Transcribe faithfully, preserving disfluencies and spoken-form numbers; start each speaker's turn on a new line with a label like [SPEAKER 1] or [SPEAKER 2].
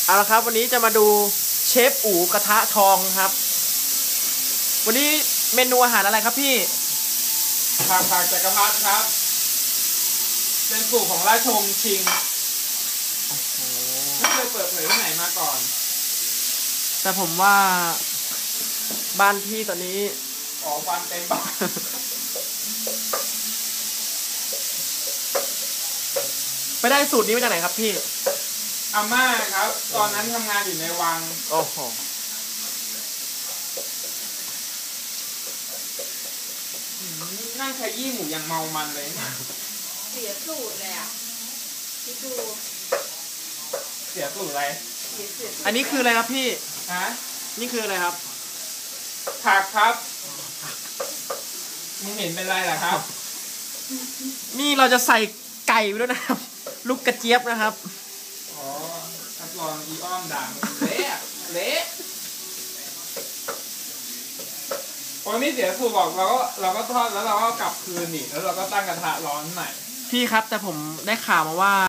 [SPEAKER 1] เอาละครับวันนี้จะมาดูเชฟอู๋กระทะทองครับวันนี้เมนูอาหารอะไรครับพี่
[SPEAKER 2] ผักผักจักรพรรดิครับเป็นสูตรของราชวงศ์ชิงไม่เคยเปิดเผยที่ไหนมาก่อน
[SPEAKER 1] แต่ผมว่าบ้านพี่ตอนนี้
[SPEAKER 2] อ๋อฟันเต็มปาก
[SPEAKER 1] ไปได้สูตรนี้มาจากไหนครับพี่
[SPEAKER 2] อาม่าครับตอนนั้นทำงานอยู่ในวัง
[SPEAKER 1] โอ้โห
[SPEAKER 2] นั่งขยี้หมูอย่างเมามันเลย
[SPEAKER 3] เสียสูตรเลยอ่ะพี่ดู
[SPEAKER 2] เสียสูตรอะไร
[SPEAKER 1] อันนี้คืออะไรครับพี่
[SPEAKER 2] ฮะ
[SPEAKER 1] นี่คืออะไรครับ
[SPEAKER 2] ผักครับมึงเห็นเป็นไรล่ะครับ
[SPEAKER 1] นี่เราจะใส่ไก่ไปด้วยนะครับลูกกระเจี๊ยบนะครับ
[SPEAKER 2] อ๋อรับรองอีอ้อมด่างเละเละโอ้นี่เสียสูตรบอกเราก็เราก็ทอดแล้วเราก็กลับคืนอีกแล้วเราก็ตั้งกระทะร้อนใหม่
[SPEAKER 1] พี่ครับแต่ผมได้ข่าวมาว่า